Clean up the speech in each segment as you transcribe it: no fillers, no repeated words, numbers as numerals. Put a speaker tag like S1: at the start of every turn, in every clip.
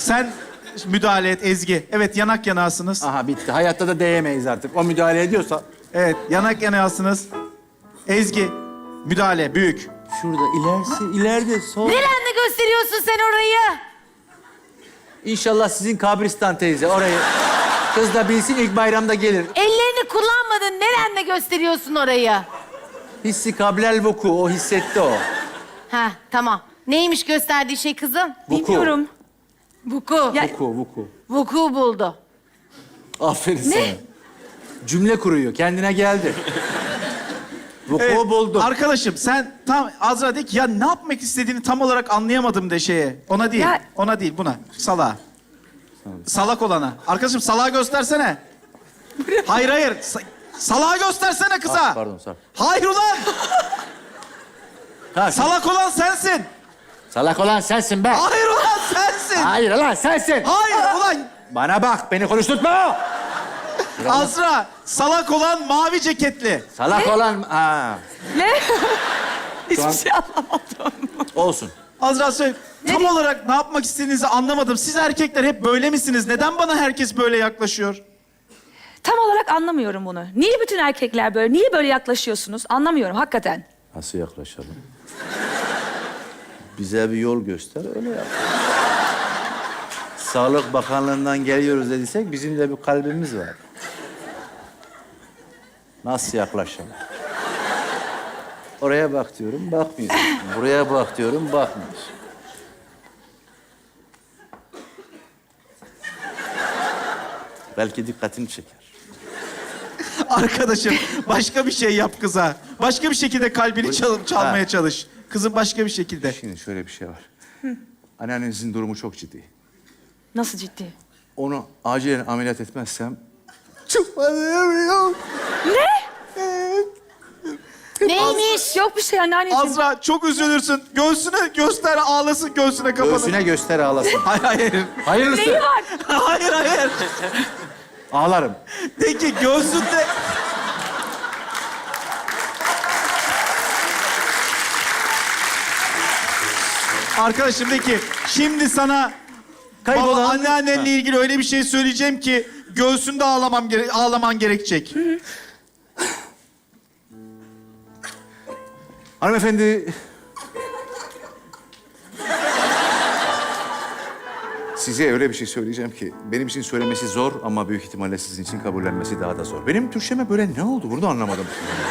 S1: Sen müdahale et Ezgi. Evet, yanak yanağısınız.
S2: Aha bitti. Hayatta da değemeyiz artık. O müdahale ediyorsa.
S1: Evet, yanak yanağısınız. Ezgi, müdahale büyük.
S2: Şurada ileride sol.
S3: Nerenle gösteriyorsun sen orayı?
S2: İnşallah sizin kabristan teyze orayı. Kız da bilsin ilk bayramda gelir.
S3: Ellerini kullanmadın. Nerenle gösteriyorsun orayı?
S2: Hissi kablel vuku. O hissetti o.
S3: Ha, tamam. Neymiş gösterdiği şey kızım?
S2: Vuku.
S4: Bilmiyorum.
S3: Vuku.
S4: Ya-
S2: Vuku.
S3: Vuku buldu.
S2: Aferin sana. Cümle kuruyor. Kendine geldi. Vuku
S1: Evet,
S2: buldu.
S1: Arkadaşım sen tam Azra de ki ya ne yapmak istediğini tam olarak anlayamadım de şeye. Ona değil,
S4: Ya-
S1: ona değil buna. Salağa. Salak olana. Arkadaşım salağı göstersene. Hayır. Salağı göstersene kıza.
S2: Pardon sağ ol.
S1: Hayır ulan.
S2: Ha,
S1: Salak olan sensin.
S2: salak olan sensin be.
S1: Hayır ulan sensin.
S2: Hayır lan sensin.
S1: Hayır ulan.
S2: Bana bak beni konuşturtma.
S1: Azra, salak olan mavi ceketli.
S2: Salak olan... Ha.
S4: Ne?
S2: Şu
S4: Hiçbir
S2: an-
S4: şey anlamadım.
S2: Olsun.
S1: Azra söyle. Tam olarak ne yapmak istediğinizi anlamadım. Siz erkekler hep böyle misiniz? Neden bana herkes böyle yaklaşıyor?
S4: Tam olarak anlamıyorum bunu. Niye bütün erkekler böyle? Niye böyle yaklaşıyorsunuz? Anlamıyorum hakikaten.
S2: Nasıl yaklaşalım? Bize bir yol göster, öyle yap. Sağlık Bakanlığı'ndan geliyoruz dediysek bizim de bir kalbimiz var. Nasıl yaklaşalım? Oraya bak diyorum, bakmıyor. Buraya bak diyorum, bakmıyor. Belki dikkatini çeker.
S1: Arkadaşım başka bir şey yap kıza. Başka bir şekilde kalbini çalmaya
S2: Ha.
S1: çalış. Kızın başka bir şekilde.
S2: Şimdi şöyle bir şey var. Anneannenizin durumu çok ciddi.
S4: Nasıl ciddi?
S2: Onu acilen ameliyat etmezsem... Çıkmadım.
S3: Neymiş?
S4: Yok bir şey anneanneciğim.
S1: Azra çok üzülürsün. Göğsüne göster ağlasın göğsüne kapanın.
S2: Göğsüne göster ağlasın.
S1: Hayır.
S2: Hayırlısı.
S4: Neyi var?
S1: hayır.
S2: Ağlarım.
S1: De ki göğsünde... Arkadaşım de ki şimdi sana
S2: Kaybolan-
S1: anneannenle ilgili öyle bir şey söyleyeceğim ki göğsünde ağlaman gerekecek.
S2: Hanımefendi... Size öyle bir şey söyleyeceğim ki benim için söylemesi zor ama büyük ihtimalle sizin için kabullenmesi daha da zor. Benim Türkçeme böyle ne oldu? Bunu da anlamadım.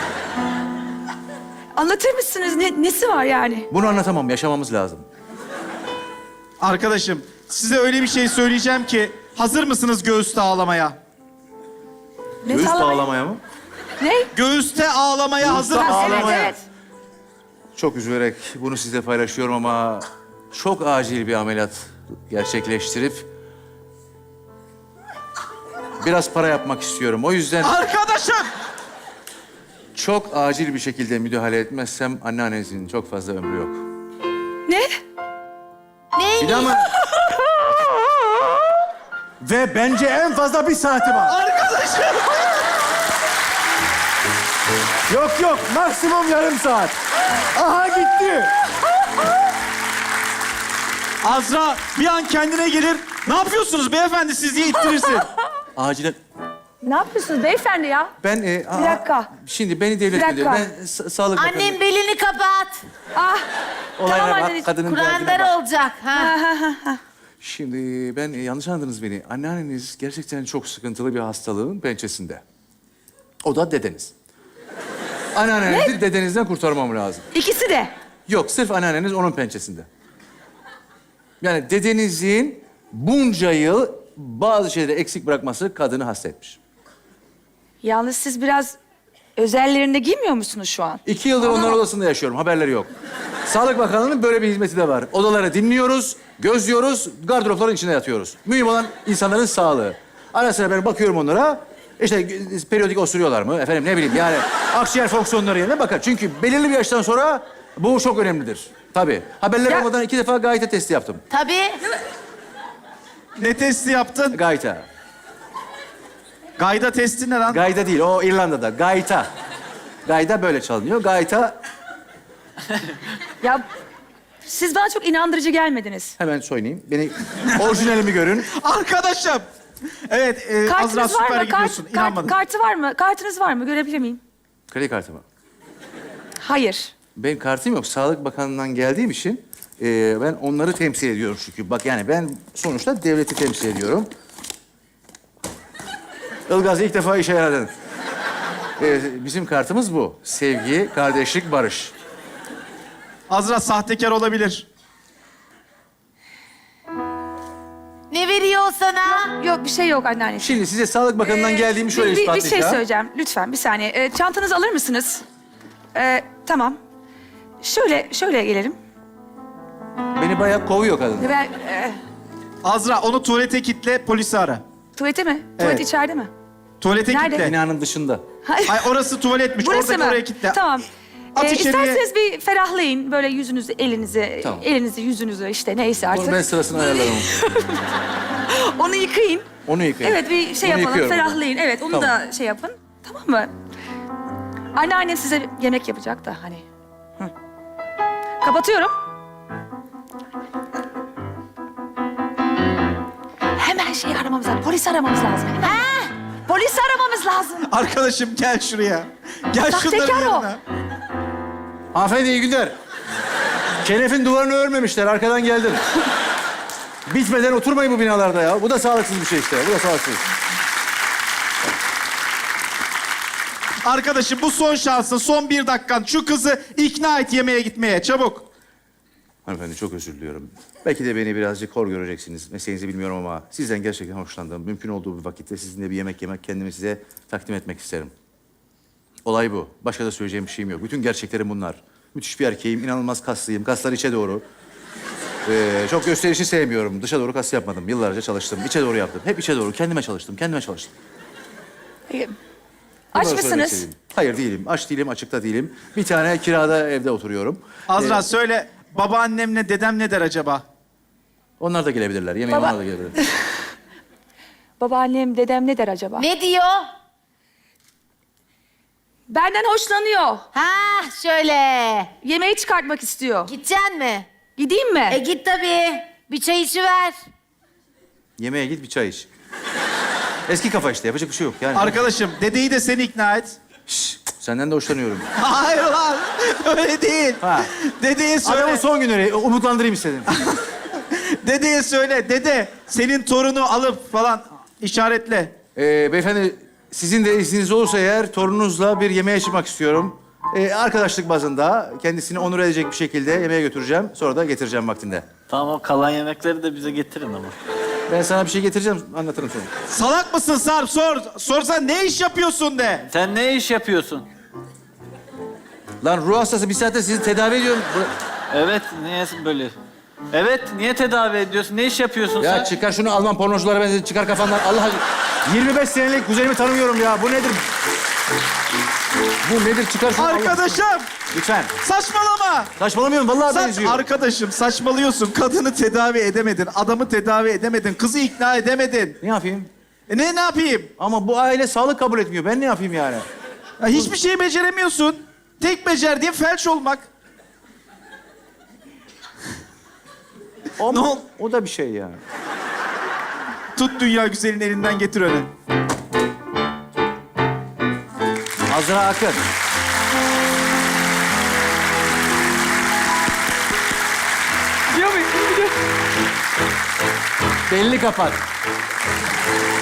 S4: Anlatır mısınız? Nesi var yani?
S2: Bunu anlatamam. Yaşamamız lazım.
S1: Arkadaşım size öyle bir şey söyleyeceğim ki hazır mısınız göğüste ağlamaya?
S4: Ne
S2: Göğüs
S4: sağlamayı-
S2: bağlamaya mı?
S4: Ne?
S1: Göğüste ağlamaya hazır
S2: Göğüste
S1: mısınız?
S2: ağlamaya.
S4: Evet, evet.
S2: Çok üzülerek bunu sizle paylaşıyorum ama çok acil bir ameliyat gerçekleştirip biraz para yapmak istiyorum. O yüzden
S1: Arkadaşım!
S2: çok acil bir şekilde müdahale etmezsem anneannenizin çok fazla ömrü yok.
S4: Ne?
S3: Neymiş?
S2: Bir de ama... Ve bence en fazla bir saati var.
S1: Arkadaşım!
S2: Yok maksimum yarım saat. Aha gitti.
S1: Azra bir an kendine gelir. Ne yapıyorsunuz beyefendi siz diye ittirirsin.
S2: Acilen...
S4: Ne yapıyorsunuz beyefendi ya?
S2: Ben...
S4: Bir dakika.
S2: Şimdi beni devlet
S4: Bir
S2: müdürü...
S4: dakika.
S2: Ben sağlık bakanı...
S3: Annem belini kapat.
S4: Ah.
S2: Olaylara
S4: Tamam
S2: bak,
S4: anneciğim,
S2: kadının derdine
S3: Kur'anlar
S2: bak.
S3: olacak. Ha.
S2: Şimdi ben yanlış anladınız beni. Anneanneniz gerçekten çok sıkıntılı bir hastalığın pençesinde. O da dedeniz. Anneannenizi dedenizden kurtarmam lazım.
S4: İkisi de.
S2: Yok, sırf anneanneniz onun pençesinde. Yani dedenizin bunca yıl bazı şeyleri eksik bırakması kadını hasta etmiş.
S4: Yalnız siz biraz özellerinde giymiyor musunuz şu an?
S2: 2 yıldır onların odasında yaşıyorum, haberleri yok. Sağlık Bakanlığı'nın böyle bir hizmeti de var. Odaları dinliyoruz, gözlüyoruz, gardıropların içinde yatıyoruz. Mühim olan insanların sağlığı. Ara sıra ben bakıyorum onlara. İşte periyodik osuruyorlar mı? Efendim ne bileyim yani akciğer fonksiyonları yerine bakar. Çünkü belirli bir yaştan sonra bu çok önemlidir. Tabii. Haberler
S4: Ya-
S2: olmadan 2 defa gayta testi yaptım.
S3: Tabii.
S1: Ne testi yaptın?
S2: Gayta.
S1: Gayda testi ne lan?
S2: Gayda değil, o İrlanda'da. Gayta. Gayda böyle çalınıyor. Gayta...
S4: Ya Siz bana çok inandırıcı gelmediniz.
S2: Hemen soyunayım. Beni orijinalimi görün.
S1: Arkadaşım. Evet, Azra
S4: Kartınız var
S1: süper
S4: mı?
S1: gidiyorsun. İnanmadım.
S4: Kartı var mı? Kartınız var mı? Görebilir miyim?
S2: Kredi kartı mı?
S4: Hayır.
S2: Benim kartım yok. Sağlık Bakanlığı'ndan geldiğim için ben onları temsil ediyorum çünkü. Bak yani ben sonuçta devleti temsil ediyorum. Ilgaz ilk defa işe yaradın. Bizim kartımız bu. Sevgi, kardeşlik, barış.
S1: Azra sahtekar olabilir.
S3: Ne veriyor o sana?
S4: Yok bir şey yok anneanneciğim.
S2: Şimdi size Sağlık Bakanlığı'ndan geldiğimi şöyle
S4: bir şey
S2: ispatlayacağım.
S4: söyleyeceğim. Lütfen bir saniye. Çantanızı alır mısınız? Tamam. Şöyle gelelim.
S2: Beni bayağı kovuyor kadın.
S4: Ben,
S1: Azra onu tuvalete kitle, polisi ara.
S4: tuvalete mi? Tuvalet
S1: Evet.
S4: içeride mi?
S1: Tuvalete
S4: Nerede?
S1: kitle.
S2: Binanın dışında.
S4: Hayır.
S1: Ay orası tuvaletmiş.
S4: Burası
S1: Oradaki
S4: mı?
S1: oraya kitle.
S4: Tamam.
S1: At içeriye.
S4: İsterseniz bir ferahlayın. Böyle yüzünüzü, elinizi,
S2: Tamam.
S4: elinizi, yüzünüzü işte neyse artık.
S2: Onu ben sırasını ayarlarım.
S4: Onu yıkayın.
S2: Onu yıkayın.
S4: Evet bir şey
S2: Onu
S4: yapalım,
S2: yıkıyorum.
S4: ferahlayın. Evet onu
S2: Tamam.
S4: da şey yapın. Tamam mı? Anneannem size yemek yapacak da hani. Hı. Kapatıyorum. Hemen şey aramamız lazım. Polis aramamız lazım. Hemen. Polis aramamız lazım.
S1: Arkadaşım gel şuraya. Gel şunların
S4: Sahtekar o.
S1: yanına.
S2: Hanımefendi iyi günler. Kenef'in duvarını örmemişler. Arkadan geldim. Bitmeden oturmayın bu binalarda ya. Bu da sağlıksız bir şey işte. Bu da sağlıksız.
S1: Arkadaşım bu son şansın, son 1 dakikan. Şu kızı ikna et yemeğe gitmeye. Çabuk.
S2: Hanımefendi çok özür diliyorum. Belki de beni birazcık hor göreceksiniz. Mesleğinizi bilmiyorum ama sizden gerçekten hoşlandım. Mümkün olduğu bir vakitte sizinle bir yemek yemek, kendimi size takdim etmek isterim. Olay bu. Başka da söyleyeceğim bir şeyim yok. Bütün gerçeklerim bunlar. Müthiş bir erkeğim, inanılmaz kaslıyım. Kaslar içe doğru. Çok gösterişi sevmiyorum. Dışa doğru kas yapmadım. Yıllarca çalıştım. İçe doğru yaptım. Hep içe doğru. Kendime çalıştım. Kendime çalıştım.
S4: Aç
S2: Bunları söylemek
S4: mısınız?
S2: istediğim. Hayır değilim. Aç değilim, açıkta değilim. Bir tane kirada evde oturuyorum.
S1: Azra söyle, babaannemle dedem ne der acaba?
S2: Onlar da gelebilirler. Yemeğe
S4: Baba-
S2: onlar da gelebilirler.
S4: Babaannem, dedem ne der acaba?
S3: Ne diyor?
S4: Benden hoşlanıyor.
S3: Ha şöyle.
S4: Yemeği çıkartmak istiyor.
S3: Gideceksin mi?
S4: Gideyim mi?
S3: Git tabii. Bir çay içiver.
S2: Yemeğe git bir çay iç. Eski kafa işte. Yapacak bir şey yok yani.
S1: Arkadaşım dedeyi de seni ikna et.
S2: Şşş, senden de hoşlanıyorum.
S1: Hayır lan, öyle değil.
S2: Ha.
S1: Dedeye söyle,
S2: Adamın son günleri umutlandırayım istedim.
S1: dedeye söyle. Dede, senin torunu alıp falan işaretle.
S2: Beyefendi sizin de izniniz olursa eğer torununuzla bir yemeğe çıkmak istiyorum. Arkadaşlık bazında kendisini onur edecek bir şekilde yemeğe götüreceğim. Sonra da getireceğim vaktinde.
S5: Tamam o kalan yemekleri de bize getirin ama.
S2: Ben sana bir şey getireceğim, anlatırım sonra.
S1: Salak mısın Sarp? Sor. Sorsan ne iş yapıyorsun de.
S5: Sen ne iş yapıyorsun?
S2: Lan ruh hastası bir saattir sizi tedavi ediyorum.
S5: Evet niye böyle? Evet niye tedavi ediyorsun? Ne iş yapıyorsun
S2: Ya
S5: sen?
S2: çıkar şunu Alman pornoculara benzer, çıkar kafandan. Allah aşkına. 25 senelik kuzenimi tanımıyorum ya. Bu nedir? Bu nedir? Çıkar şunu. Allah aşkına.
S1: Arkadaşım,
S2: Lütfen.
S1: saçmalama.
S2: Saçmalamıyorum. Vallahi benziyor.
S1: Arkadaşım saçmalıyorsun. Kadını tedavi edemedin. Adamı tedavi edemedin. Kızı ikna edemedin.
S2: Ne yapayım?
S1: Ne yapayım?
S2: Ama bu aile sağlık kabul etmiyor. Ben ne yapayım yani?
S1: Ya hiçbir şey beceremiyorsun. Tek becerdiğin felç olmak.
S2: O,
S1: Ne ol-
S2: o da bir şey yani.
S1: Tut dünya güzelin elinden getir öyle.
S2: Azra Akın.
S4: Biliyor muyum?
S2: Belli kapat.